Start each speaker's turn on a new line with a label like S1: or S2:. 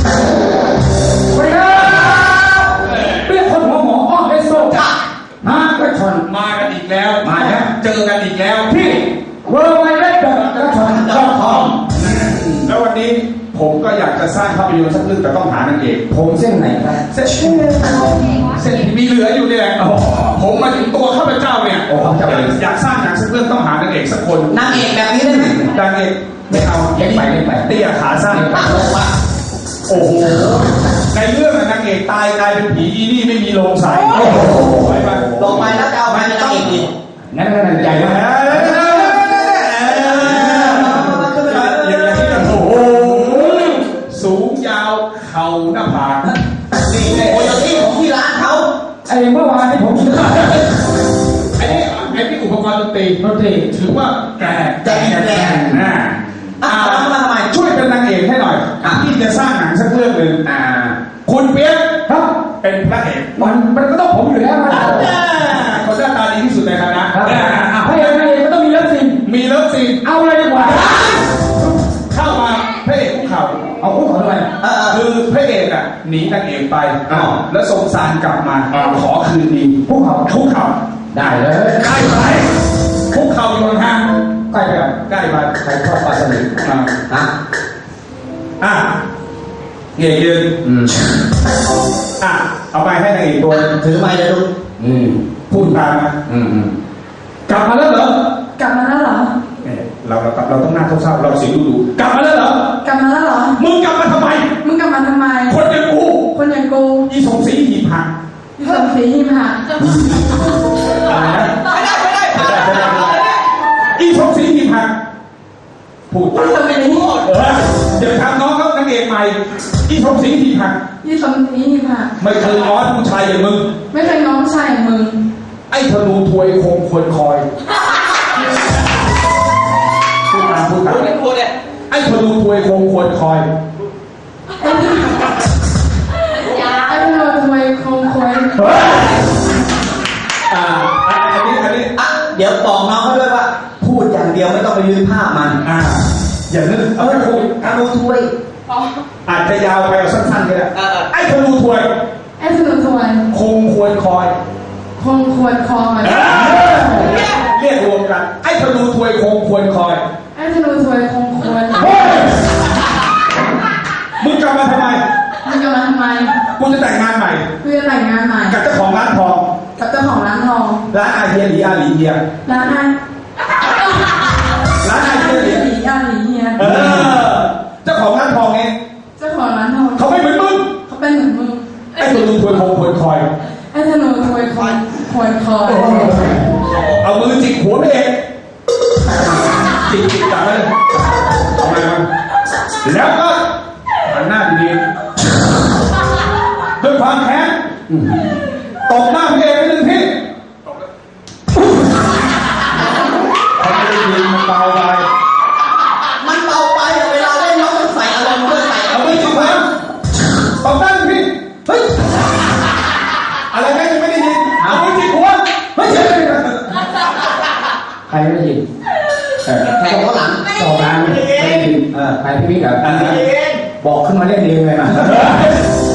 S1: สวัสดีครับเป็นคนหัวหมออ้อเอสโซมากระชอน
S2: มากันอีกแล้ว
S1: มาแล้ว
S2: เจอกันอีกแล้ว
S1: ที่เวอร์ไวเล็บกระชอน.com
S2: แล้ววันนี้ผมก็อยากจะสร้างภาพยนตร์สักเรื่องแต่ต้องหานางเอก
S1: ผมเส้นไหนครับ
S2: เส้นที่มีเหลืออยู่เนี่ยผมมาถึงตัวข้าพเจ้าเนี่ยอยากสร้างหนังสักเรื่องต้องหานางเอกสักคน
S3: นางเอกแบบนี้ได้ไหม
S2: นางเอกไม่เอา
S1: เล่นไป
S2: เตี้ยขาสั้น
S3: ตัดลงมา
S2: โอ้โหในเรื่องนางเอกตายกลายเป็นผีอีนี่ไม่มีโรงใส่โอ้โห
S3: ลงไปแล้วจะเอาไปเป็นนางเอกอีก
S1: งั้นใจมาก
S2: สูงยาวเข่าหน้าผาก
S3: นี่โอ้ยที่ของที่ร้านเขา
S1: ไอ้เมื่อวานที่ผมซื้อ
S2: ไอ้นี่อุปกรณ์ดนตรีถือว่าแกนะ
S3: มาทำไม
S2: ช่วยเป็นนางเอกให้หน่อยที่จะสร้างหนังสักเรื่องหนึ่งคุณเปี๊ยก
S1: ครับ
S2: เป็นพระเอก
S1: มันก็ต้องผมอยู่แล้วนะ
S2: เขาหน้าตาดีที่สุดในคณะ
S1: พระเอกก็ต้องมีเลิฟซีนเอาเลยดีกว่า
S2: เข้ามาพระเอกคุกเข่า
S1: เอาคุกเข่าทำไม
S2: คือพระเอกหนีนางเอกไปแล้วสงสารกลับมาขอคืนดี
S1: คุกเข่าได้เลย
S2: ใกล้ไปคุกเข่าอยู่ห่าง
S1: ใกล้ไป
S2: ใครชอบปลาสลิดเงี้ยยืนเอาไปให้นางเอกตัว
S3: ถือไม้เลยลูก
S2: พูดตามนะกลับมาแล้วเหรอกลับมาแล้วเหรอเราต้องหน้าเศร้าเราเสียงดูกลับมาแล้วเหรอกลับมาแล้วเหรอมึงกลับมาทำไมคนอย่างกูอีสมศรีหีบหัก
S3: อีสมศรีหีบหักไม่ได้
S2: อีสมศรีหีบหักพูดเดี๋ยวทำน้องเขานางเอกใหม่อีสมศรีหีบหักไม่เคยง้อผู้ชายอย่างมึงไอ้ธนูถวยคงควรคอยพูดตามไอ้ธนูถวยคงควรคอยอันนี้
S3: เดี๋ยวบอกน้องเขาด้วยว่าพูดอย่างเดียวไม่ต้องไปยืนภาพมัน
S2: อย่านึก
S3: พูดธนูถวย
S2: อาจจะยาวไปเอาสั้นๆก็ได้ไอ้ธนูถวยคงควรคอยเรียกรวมกันไอ้ธนูถวยคงควรคอยมึงกลับมาทำไมกูจะแต่งงานใหม่กับเจ้าของร้านทองร้านอาเฮียหลีอาหลีเฮียร้านอาเฮียหลีเจ้าของร้านทองไงเขาไม่เหมือนมึงไอ้ธนูถวยคงควรคอยเอามือจิกหัวไปเองจิกจับไปเลยเอาไปมันแล้วก็หันหน้าดีๆด้วยความแค้นตบหน้าพี่เอกไปหนึ่งทีเขาไม่ได้ยินมันเบาไป
S3: เวลาเล่นน้องต้องใส่อารมณ์ด้วย
S2: เอามือจิกหัวตบหน้าพี่เฮ้ยอะไรแม่ยังไม่ได้ยินเอามือจิกหัวไม่ใช่
S1: ใครไม่ได้ยิน
S3: แข่งเขาหลัง
S1: ไม่ได้ยินใครพี่กับบอกขึ้นมาเล่นเองเลยนะ